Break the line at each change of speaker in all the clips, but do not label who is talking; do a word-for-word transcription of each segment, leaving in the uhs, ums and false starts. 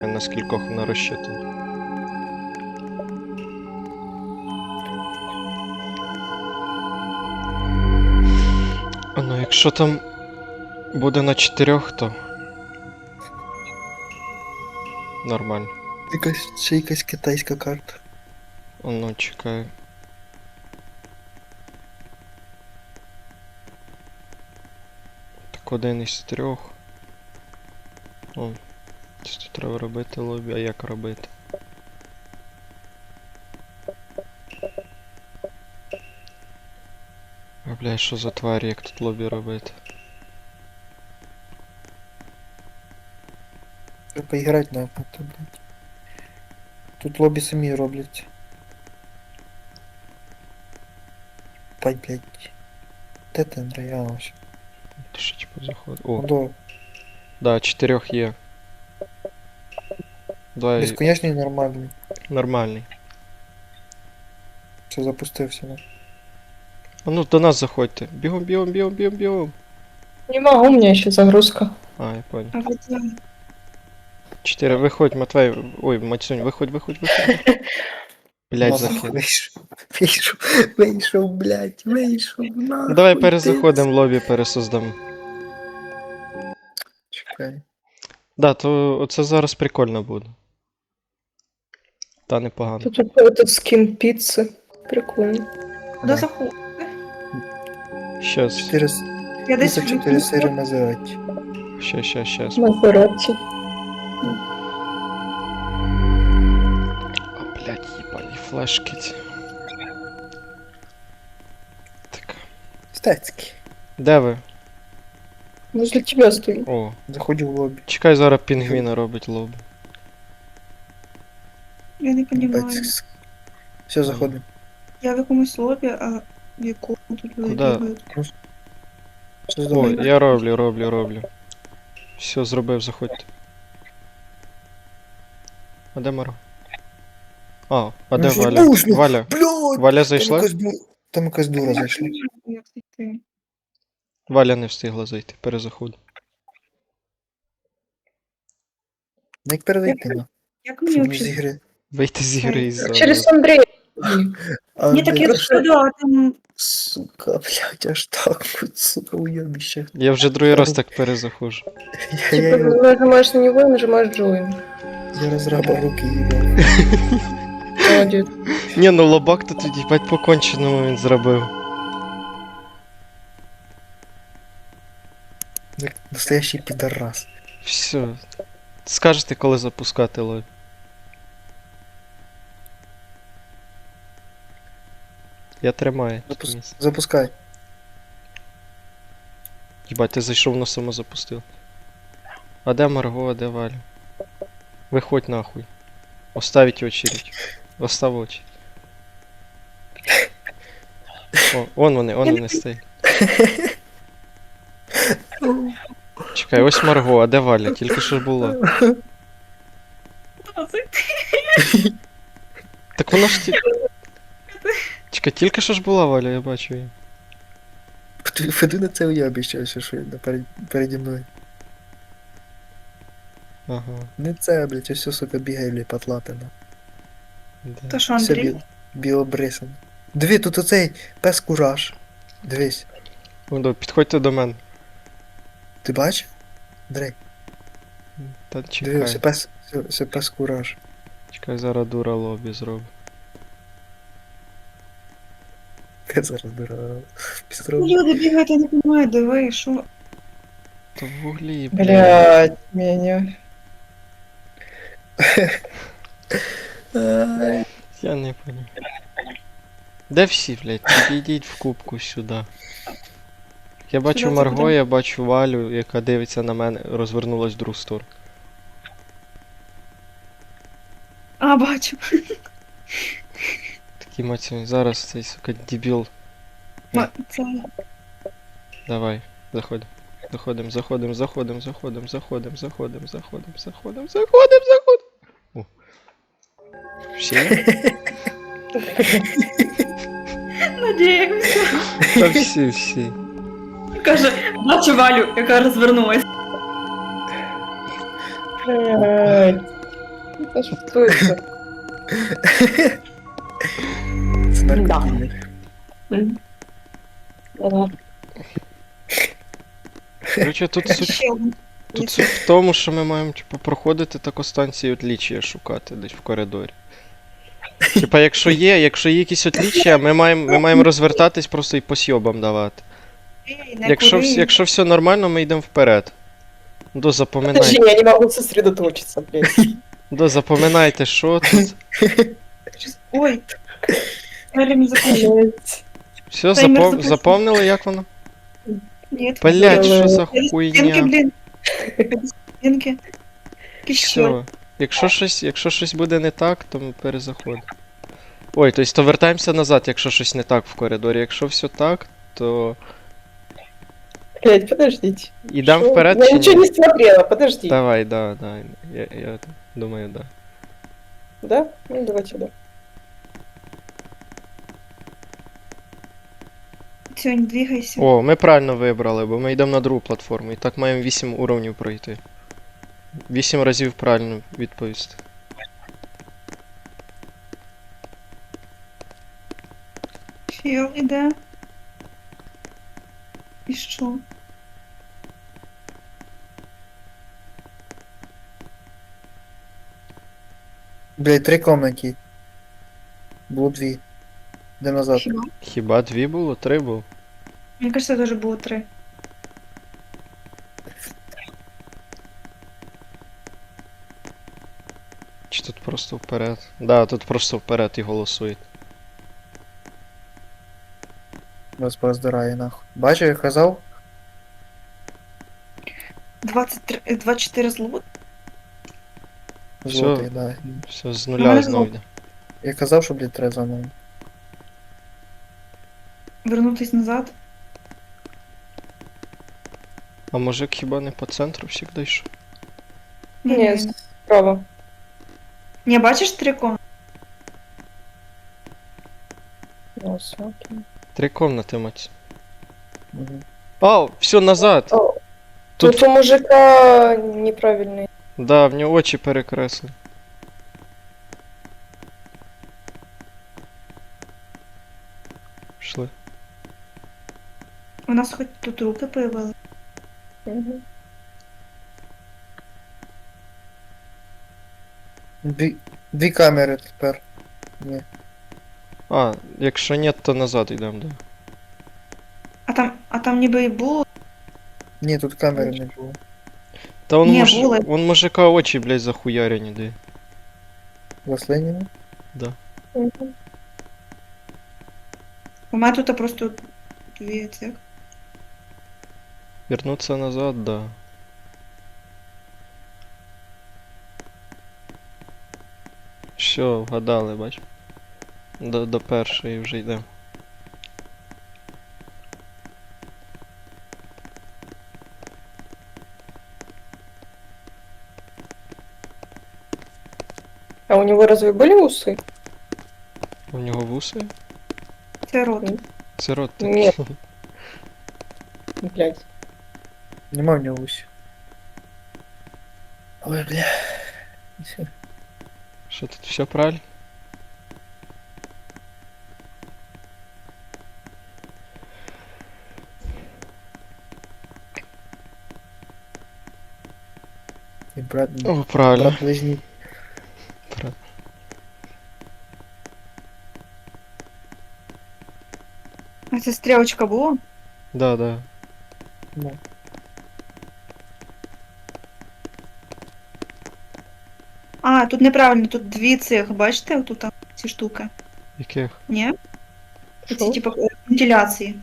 На скількох вона розчитана. А ну, якщо там буде на чотирьох, то нормально.
Якась ще якась китайська карта.
А ну, чекаю. Так один із трьох. О, тут треба робити лобі, а як робити? А, бля, що за тварі, як тут лобі робити?
Треба поіграти на то, блядь. Тут лобі самі роблять. Пай, блядь. Де ти, Андрій? А, ось.
Ти що, типу, заходить? О,
До.
да, чотирьох є. Давай,
Безконечний нормальний.
нормальний.
Все, запустився, да.
А ну, до нас заходьте. Бігом, бігом, бігом, бігом, бігом.
Не могу, у меня еще загрузка.
А, я понял.
А вот я-
Чотири, виходь, Матвей. Ой, Матюнь, виходь, виходь, виходь. Блять,
Нахуй,
закинь.
Вийшов, вийшов, вийшов, блядь, вийшов, нахуй.
Ну, давай
ти.
перезаходимо, лобі пересоздамо.
Чекай.
Да, то оце зараз прикольно буде. Та непогано.
Тут какой-то скин пиццы. Прикольно.
Куда
Да.
заход?
Щас,
Чотири, с-
Я десь
піца, чотири сири Мазераті.
щас, щас, щас.
Мазерати.
А, блядь, їбані флешки ці. Так.
Стецький.
Де ви?
Возле тебя стою.
О,
Заходжу в лобі.
чекай, зараз пінгвіна робить лобі.
Я не розумію.
Бать, все, заходимо.
Я в якомусь лобі, а в якому тут люди
Куда?
бігають.
Все,
О,
здорово.
я роблю, роблю, роблю. Все, зробив, заходьте. А де Маро? А, а де
Ну, що
Валя?
можна?
Валя.
Блядь!
Валя
Там
зайшла?
якась, ду- там якась дура зайшла.
Як зайти?
Валя не встигла зайти, перезаход.
Ну як передайте, ну.
Як мені
Щоб не з
взагалі?
ігри.
Вийти з ігри із зони.
Через Андрея.
А,
Ні, так я
блядь,
сюди, а там...
Сука, блядь, аж так, вот, сука, уебище.
Я вже другий раз так перезаходжу.
Я, я,
Типа,
я,
нажимаешь на него и нажимаешь join.
я разраба руки ебал.
Молодец.
Ні, ну лобак то тоді бать поконченому він зробив.
Як настоящий пидорас.
Все. Скажете, коли запускати лобі. Я тримаю.
Запус-
місце.
Запускай.
Їбать, ти зайшов, воно само запустив. А де Марго, а де Валя? Виходь нахуй. Оставить очередь. Остав очі. О, вон вони, вон вони стоять. Чекай, ось Марго, а де Валя? Тільки що ж була.
Куди зайти?
Так воно ж ті... Чекай, тільки що ж була Валя, я бачу її.
Веди на це уебище, що що перед, переді мною.
Ага.
Не це, блядь, ось все, сука, бігає, блядь, потлатина.
Де?
То що,
Все
Андрій?
бі... білобрисано. Диви, тут оцей пес кураж. Дивись.
Вон, підходьте до мене.
Ти бачиш? Андрей,
Та
диви,
чекай.
все пес, все, все пес кураж.
Чекай, зараз дура лобі зроблю.
Я зараз дурак. Пістров.
Люди бігають, я не розумію, диви, що...
То в вуглі, блядь.
Блядь, меня.
Ай,
Я не понял. Де всі, блядь? Підійдіть в кубку сюди. Я бачу
Сюди
Марго,
заходимо.
я бачу Валю, яка дивиться на мене, розвернулась в другу сторону.
А, бачу.
Такі маці, зараз цей, сука, дебіл.
Ма- Це...
Давай, заходим. Заходим, заходим, заходим, заходим, заходим, заходим, заходим, заходим, заходим, заходим. О. Всі?
Надіємося.
Та всі, всі.
Каже, бачу Валю, яка розвернулась.
Блядь. А что это?
Це наркотик.
М. Ладно.
Короче, тут суть,
Ще один.
тут суть в тому, що ми маємо, типу, проходити тако станції отлічія шукати десь в коридорі. Типа, якщо є, якщо є якісь отлічія, ми маємо, ми маємо розвертатись просто і по сьобам давати.
Ей, не
Якщо,
кури.
вс- якщо все нормально, ми йдемо вперед. До
Подожди,
запоминайте.
я не могу сосредоточиться, блядь.
До запоминайте, що тут.
Щас- Ой. Время закончилось.
Блядь.
Все,
Таймер
запом...
запущен.
запомнили, як воно?
Нет.
Блять,
Давай.
що за
Стенки,
хуйня?
блін. Стенки. Еще.
Все. Якщо щось, якщо щось буде не так, то ми перезаходимо. Ой, тобто то вертаємося назад, якщо щось не так в коридорі. Якщо все так, то
Блядь, подождите.
ідемо
Шо?
вперед
Я
чи
ничего
ні?
не смотрела, подожди.
Давай, да, да. Я, я думаю, да.
Да? Ну, давайте, да.
Все, не двигайся.
О, ми правильно вибрали, бо ми йдемо на другу платформу. І так маємо вісім уровнів пройти. вісім разів правильно відповісти.
Чел іде. І що?
Блядь, три комнаты. Було дві. Де назад.
Хіба?
Хіба дві було? Три було?
Мені кажется, даже було три.
Чи тут просто вперед? Да, тут просто вперед і голосують.
Вас пороздирає нахуй. Бачив, я казав?
двадцять три, двадцять чотири злот.
Всё.
Злотий, да.
Все, з
Ну,
нуля
мене
знову
зло-
йде.
Я казав, що, блядь, треба заново.
Вернутись назад.
А мужик хіба не по центру завжди йшов?
Нет, справа.
Не, бачиш три комнати?
Ну, всё, окей.
Три комнати, мать.
Угу.
Ау, все, назад!
О,
Тут-
Тут у мужика неправильный.
Да, в нього очі перекресли. Пішли.
У нас хоч тут руки появились.
Мгм.
Дві, дві камери тепер. Ні.
А, якщо ні, то назад йдемо, да.
А там, а там ніби і було.
Ні, тут камери не було.
Та он,
Ні,
муж...
були.
он мужика очі, блядь, захуярені, де.
Заслинені?
Мгм.
У мене тут просто дві цих.
Вернуться назад, да. Все, вгадали, бач. До, до першої вже йдемо.
А у него разве были усы?
У нього вуси?
Це рот.
Ні.
Це рот так.
Ні. Блядь.
Нема в нього усі. Ой, бля.
Що тут все правильно?
І брат,
О, правильно.
брат близній.
Правильно.
А це стрілочка була?
Да, да.
Ну,
А, тут неправильно, тут дві цих, бачите, отут там ці штуки.
Яких?
Ні? Ці,
Шо?
типу, вентиляції.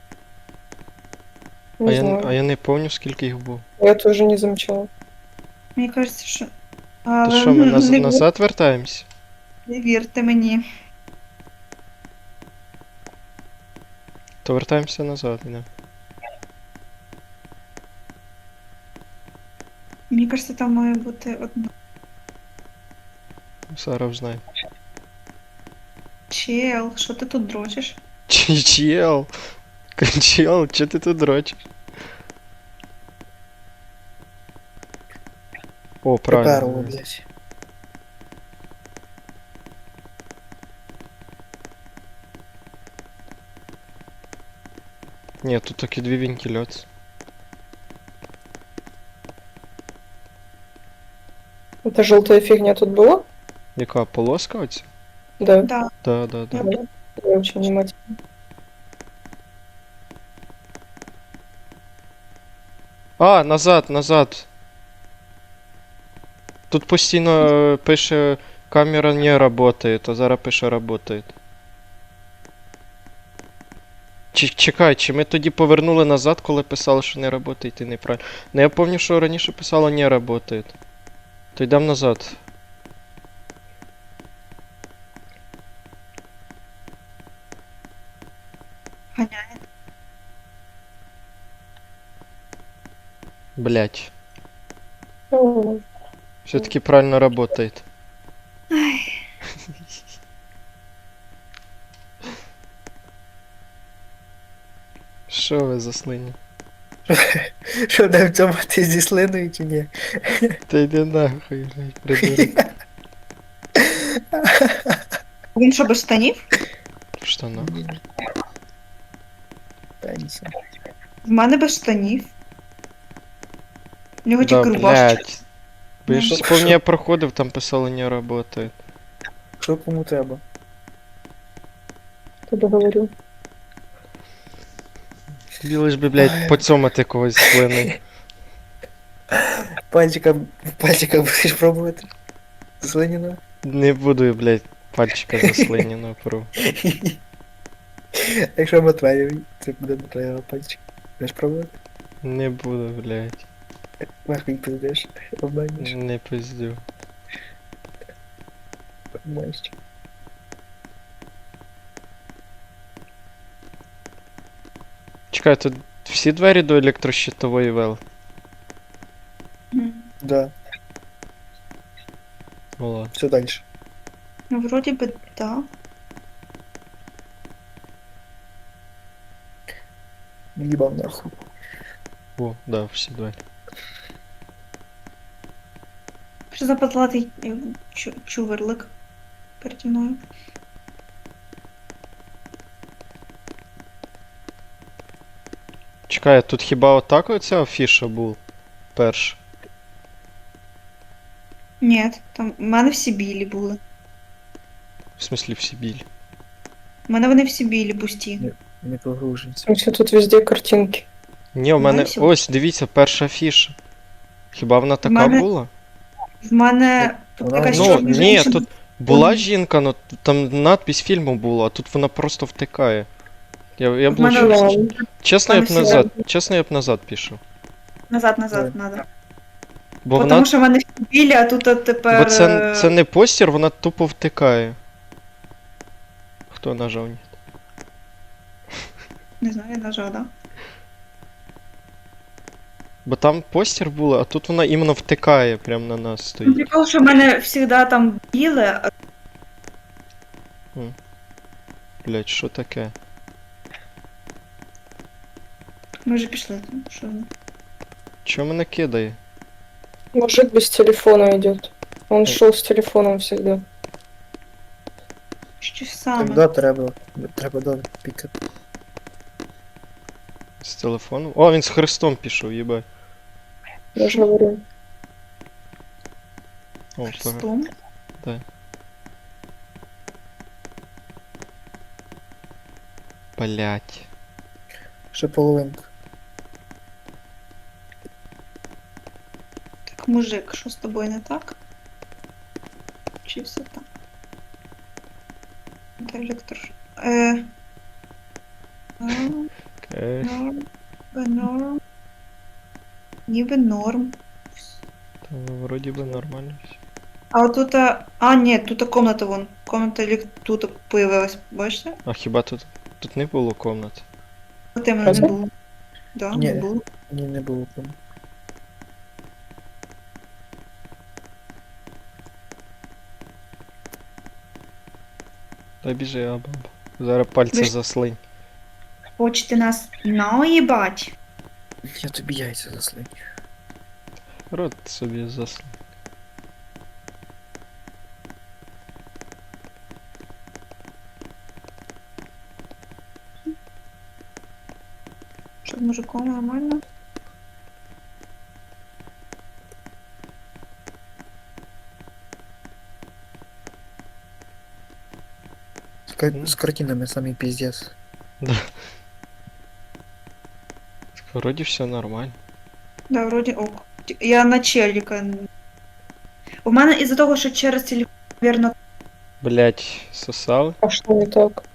А
Не
я,
знаю.
а я не пам'ятаю, скільки їх було.
Я тоже не замечала.
Мені кажеться, що.
То
Але
що, ми наз...
не,
назад вертаємось?
не вірте мені.
То вертаємося назад, да.
Мені кажеться, там має бути одна.
Зараз знаю.
Чел, що ти тут дрочиш?
Чел. Чел, чо ти тут дрочиш? О,
приперло,
правильно.
блядь.
Ні, тут такі дві вентиляції.
Эта желтая фигня тут была?
Яка полоска оця?
Да.
Да.
Да, да, да.
Да. Я очень внимательно.
А, назад, назад. Тут постійно е, пише камера не работает, а зараз пише работает. Чи, чекай, чи ми тоді повернули назад, коли писали, що не работает і неправильно. Ну я пам'ятаю, що раніше писало не работает. То йдемо назад.
Ганяє.
Блять.
О,
Все-таки правильно работает.
Ай.
Що ви за слині?
Що там в цьому ти зі слиною чи ні?
Та йди нахуй, блядь, придурок.
Він що, без штанів?
В штанах.
Пенсія.
В мене без штанів. У нього
Да,
тільки рубашка.
блядь. Бо я ж помню, я проходив, там писало не работает.
Що кому треба?
тобі говорю.
Білиш би, блядь, поцьомати когось слини.
Пальчиком, пальчиком будеш пробувати? Слиніна?
Не буду, блядь, пальчика заслинено пору.
Якщо Матвеєві, це буде Матвеєва пальчик. Будеш пробувати?
Не буду, блядь.
Нахуй пиздиш, обманеш,
Не пиздю.
обманеш.
Чекай, тут всі двері до електрощитової вел?
Мгм.
Да,
Ну ладно.
все далі.
Ну, вроді би, так.
Їбав нахуй.
О, да, всі двері.
Що за потлатий е, чу- чуверлик переді мною?
Чекай, а тут хіба отак оця афіша був? Перш.
Ні, там в мене всі білі були.
В смислі всі білі.
У мене вони всі білі, пусті.
Не погружується.
Все, тут везде картинки.
Ні, у
Ну,
мене.
і всі.
Ось, дивіться, перша афіша. Хіба вона така
мене-
була?
В мене тут
Вона-
якась
Ну,
чорна
ні,
жінка.
тут була жінка, ну там надпись фільму була, а тут вона просто втикає. Я, я
В мене
блучу.
ладно.
Чесно, я б
в мене всі
назад. Чесно, я б назад пішов.
Назад, назад, надо.
Бо
Бо
вона.
Тому що в мене всі білі, а тут от тепер.
Бо це,
е,
це не постір, вона тупо втикає. Хто нажав? Ні.
Не знаю, я нажала, да?
Бо там постір було, а тут вона іменно втикає прямо на нас
Ну,
стоїть.
прикол, що в мене завжди там біле, а
Блять, що таке?
ми вже пішли. Що?
Чого мене кидає?
Мужик без телефона идет. Он шел с телефоном всегда.
Щось саме.
Так, да, треба. Треба добре пікати.
З телефону? О, він з хрестом пішов, їбать.
Я же говорю.
О, пора.
Хрестом.
Блять.
Ще половинка.
Так, мужик, що з тобою не так? Чи все так? Де електро... Е... Норм,
Окей.
норм, ніби норм. Ніби норм.
Та, вроді би нормально все.
А от тут... А, а, ні, тут комната вон. Комната елек... тут появилась, бачите?
А хіба тут. Тут не було комнат?
От іменно не
Разве?
було. Да,
Ні.
не було.
Ні, не було кому.
Та біжи, абаб. Зараз пальці
Ви ж-
заслинь.
Хочете нас наїбать?
Я тобі яйця заслиню.
Рот собі заслинь.
Що з мужиком нормально?
С, ка- с картинами самый пиздец.
Вроді все нормально.
Да, вроді ок. Ті- Я на челіка. У мене із-за того, що через телефон, вірно,
Блять, сосали.
А что не так?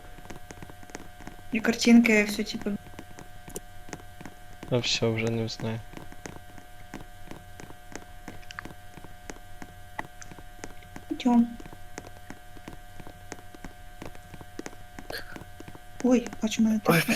і картинки, все типу.
А все, вже не знаю.
Идем. Ой, а чому мене так?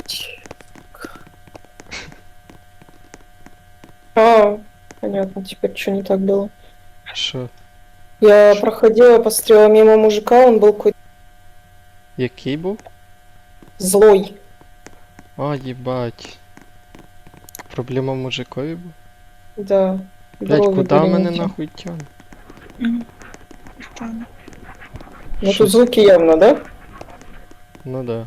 А, понятно, теперь что не так было.
Що?
Я проходила, посмотрела мимо мужика, он был какой-то
Який був?
злой.
А, їбать. Проблема в мужикові був?
Да.
Блять,
брови
куди
были
мене
не те.
нахуй тягне?
Мгм. Странно.
Ну
Щось-
тут звуки явно, да?
Ну да.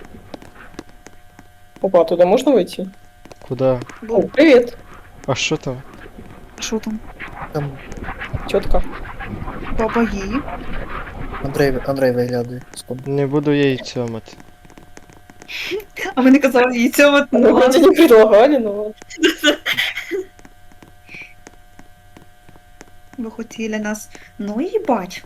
Опа, туда можно войти?
Куди?
О,
Бу,
привет,
А що там?
що там?
Там
тетка.
Баба її?
Андрей, Андрей виглядає з ком.
Не буду я їй цьомати.
А ви не казали їй цього?
Ну, вроде не предлагали, но ладно.
Ви хотіли нас. Ну їбать.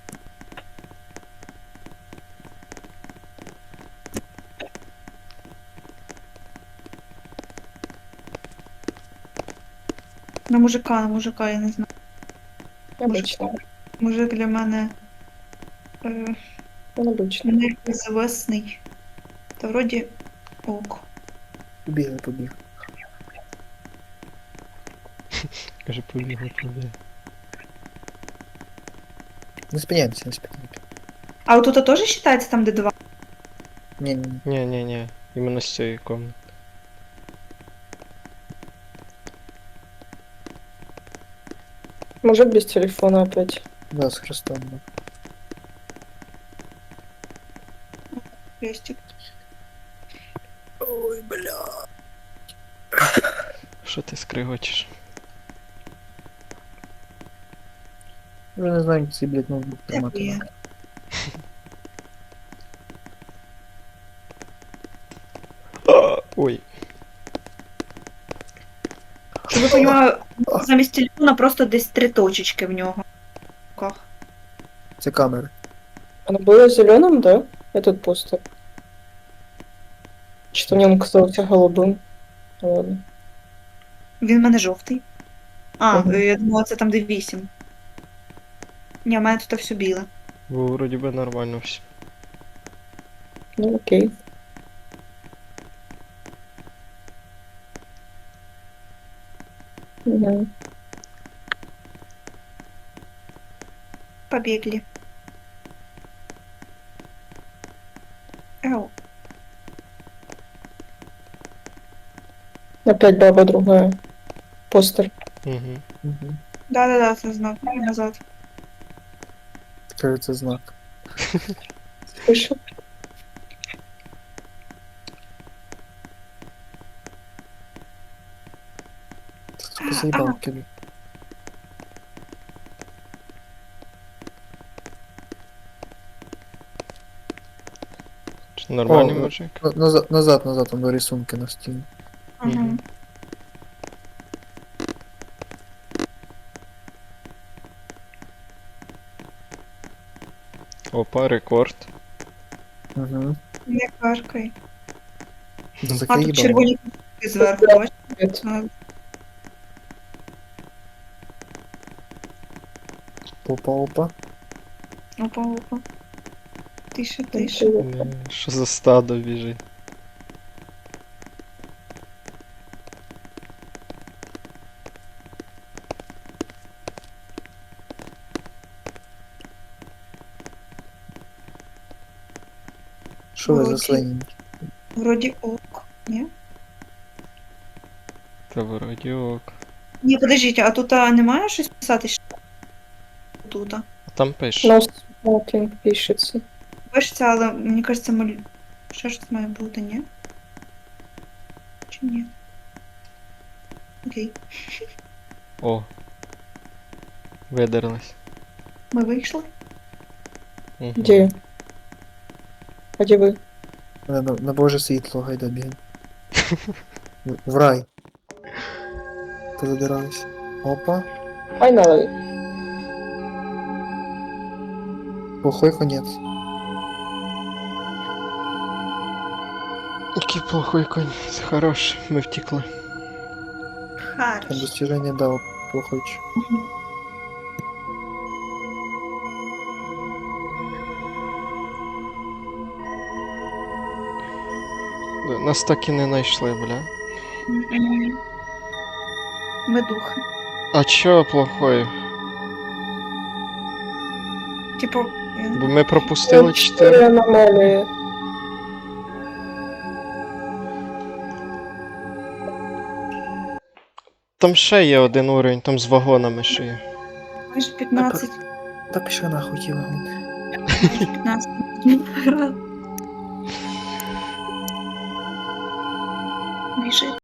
На мужика, на мужика, я не знаю.
Обычно.
Мужик для мене е,
Он обычно.
неізвісний. Та вроді ок.
Побігли, побігли.
Каже, побігли, побігли.
Не спиняємося, не спиняємося.
А от тут теж вважається там, де два?
Ні, ні, ні.
Ні, ні, ні. Іменно з цієї комнати.
Мужик без телефона опять.
Да, з хрестом. Да.
Крестик.
Ой, бля.
Що ти скригочиш?
Вже не знаю, як цей, блядь, ноутбук тримати.
Дякую.
надо.
Ой.
Щоб ви розуміли, замість телефона просто десь три точечки в нього. В руках.
Це камери.
Оно было зеленым, да? Этот постер. Что мне он казался голубым. Ну, ладно.
Він в мене жовтий. А,
Мгм.
я думала, це там де вісім. Ні, в мене тут все біле.
Бо вроді би нормально все.
Ну окей. Мгм.
Побігли. Ау.
Опять баба другая. Постер.
Угу.
Угу.
Да-да-да, це знак. Назад.
Каже, це знак.
Слышал?
Сука, заїбав кину.
Нормальний
О,
мужик.
На- Назад, назад, назад, там до рисунки на стіні.
Ага.
Мгм. Опа, рекорд.
Угу.
Не каркай.
Ну,
А
таке
тут
їбало.
червоні кнопки зверху, бачиш?
Нет.
А,
Опа, опа.
Опа, опа. Тише,
Ну,
тише.
Не, Що за стадо біжить?
Що ви
Вроді.
заслані?
Вроді ок. Ні?
Та вроді ок.
Ні, подождіть, а тут а, немає щось писати? ще? Тут. а?
А там пише.
No smoking пишется.
Пишеться, але мені кажеться, маль... ще щось має бути, ні? Ні. Окей.
О. Видерлась.
Ми вийшли?
Мгм.
Где? А где вы?
На, на, на Боже світло, гайда бігай. В- В рай. Ти задиралась. Опа.
Finally.
Плохой конець.
Який плохой конець. Хорош, ми втекли.
Там
Харш.
достиження дав плохой. ч-
Нас так і не знайшли, бля.
Мгм. Ми духи.
А чо плохой?
Типу, він-
Бо ми пропустили чотири.
Четыре аномалии.
Там ще є один уровень, там з вагонами ще є.
майже п'ятнадцять.
Та пішли нахуй ті вагони.
Майже п'ятнадцять. Біжи.